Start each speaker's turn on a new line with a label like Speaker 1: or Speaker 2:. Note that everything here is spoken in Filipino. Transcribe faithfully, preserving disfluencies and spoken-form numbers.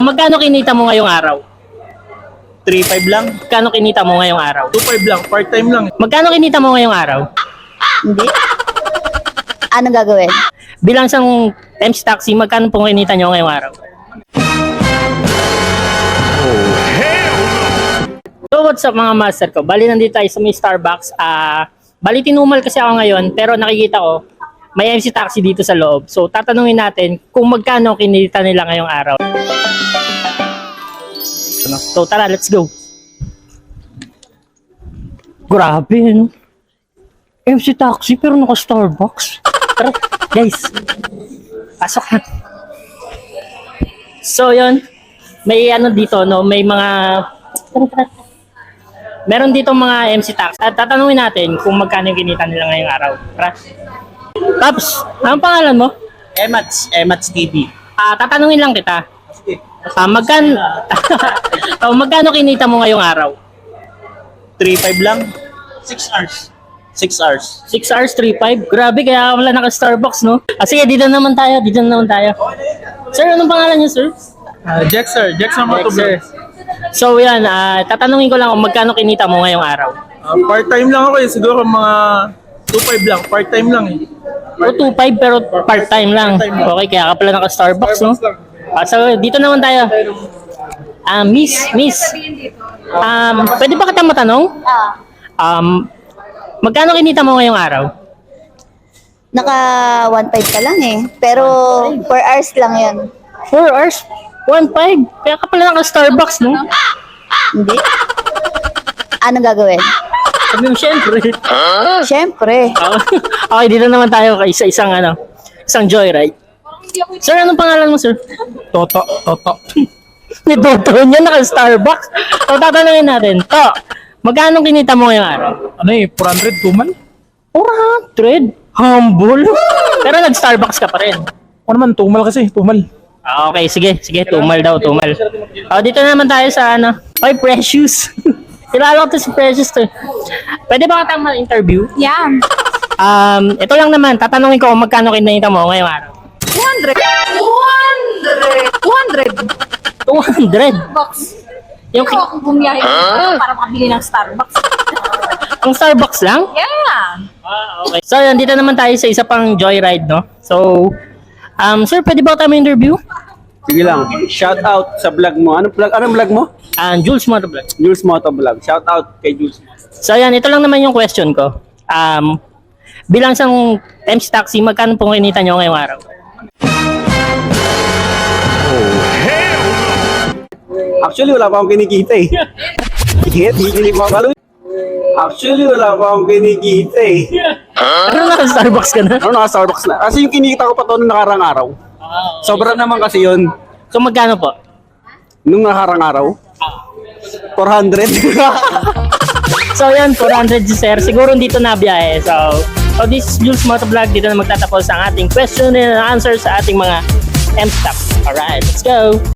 Speaker 1: Magkano kinita mo ngayong araw?
Speaker 2: three five lang.
Speaker 1: Magkano kinita mo ngayong araw?
Speaker 2: two five lang. Part-time lang.
Speaker 1: Magkano kinita mo ngayong araw?
Speaker 3: Hindi. Anong gagawin?
Speaker 1: Bilang isang M C Taxi, magkano po kinita nyo ngayong araw? So what's up mga master ko? Bali nandito tayo sa may Starbucks. Ah, bali tinumal kasi ako ngayon, pero nakikita ko may M C Taxi dito sa loob. So tatanungin natin kung magkano kinita nila ngayong araw. So tara, let's go. Grabe, no? M C Taxi pero naka Starbucks. Tara, guys. Pasok na. So yun, may ano dito, no? May mga meron dito mga M C Taxi. At tatanungin natin kung magkano yung kinita nila ngayong araw. Tara. Paps, anong pangalan mo?
Speaker 2: Emats. Emats T V.
Speaker 1: Ah, tatanungin lang kita.
Speaker 2: Sige.
Speaker 1: Ah, magkano oh, magkano kinita mo ngayong araw?
Speaker 2: three five lang. six hours. six hours.
Speaker 1: six hours, three five. Grabe, kaya wala naka Starbucks, no? Ah, sige, dito naman tayo, dito naman tayo. Sir, anong pangalan niyo, sir?
Speaker 2: Uh, Jack sir. Jack sir
Speaker 1: Yes, sir. So, yan, ah, tatanungin ko lang kung magkano kinita mo ngayong araw.
Speaker 2: Uh, part-time lang ako eh. Siguro mga two five lang. Part-time lang eh.
Speaker 1: O, two five pero part-time lang. Okay, kaya ka pala naka Starbucks, no? Ah, so, dito naman tayo. Ah, miss, miss. Um, pwede ba kita matanong?
Speaker 3: Ah,
Speaker 1: Um, magkano kinita mo ngayong araw?
Speaker 3: naka one five ka lang eh. Pero four hours lang yun.
Speaker 1: four hours? one five? Kaya ka pala naka Starbucks, no?
Speaker 3: Hindi. Anong gagawin?
Speaker 1: Sabi mo, syempre.
Speaker 3: Siyempre.
Speaker 1: Okay, dito naman tayo kay isa isang ano, isang joyride. Sir, anong pangalan mo, sir?
Speaker 2: Toto. Toto.
Speaker 1: Ni Toto niya naka Starbucks. So, tatanungin natin. To, magkano kinita mo ngayong araw?
Speaker 2: Ano eh? four hundred tuman?
Speaker 1: four hundred? Humble. Pero nag-Starbucks ka pa rin.
Speaker 2: O naman, tumal kasi. Tumal.
Speaker 1: Ah, okay, sige, sige, tumal daw, tumal. Oh, dito naman tayo sa ano. Oy, Precious. Kilala ko to si Precious to. Pwede ba kitang ma-interview?
Speaker 4: Yeah.
Speaker 1: Um, ito lang naman, tatanungin ko kung magkano kinita mo ngayong araw.
Speaker 4: two hundred. two hundred. two hundred.
Speaker 1: two hundred.
Speaker 4: Box.
Speaker 1: Yung
Speaker 4: Pero ako bumiyahe dito para makabili ng Starbucks.
Speaker 1: ang Starbucks lang?
Speaker 4: Yeah.
Speaker 1: Ah, okay. So, yan, dito naman tayo sa isa pang joyride, no? So, um, sir, pwede ba tayo ma-interview?
Speaker 5: Sige lang. Shout out sa vlog mo. Anong vlog? Anong vlog mo?
Speaker 1: Ah, Jules Motovlog.
Speaker 5: Jules Moto Vlog. Shout out kay Jules.
Speaker 1: So, yan, ito lang naman yung question ko. Um, bilang isang M C Taxi, magkano po kinita nyo ngayong araw?
Speaker 5: Actually, wala pa akong kinikita eh. Hit, hikinig mo ba? Actually, wala pa akong kinikita eh.
Speaker 1: Ano naka Starbucks ka na?
Speaker 5: Ano, naka Starbucks na. Kasi yung kinikita ko pa to nung nakarang araw. Sobra naman kasi yun.
Speaker 1: So, magkano po?
Speaker 5: Nung nakarang araw. four hundred.
Speaker 1: So, yan, four hundred si sir. Siguro dito na biyahe. So, so this is Jules Motovlog. Dito na magtatapos ang ating question and answer sa ating mga M C Taxi. Alright, let's go!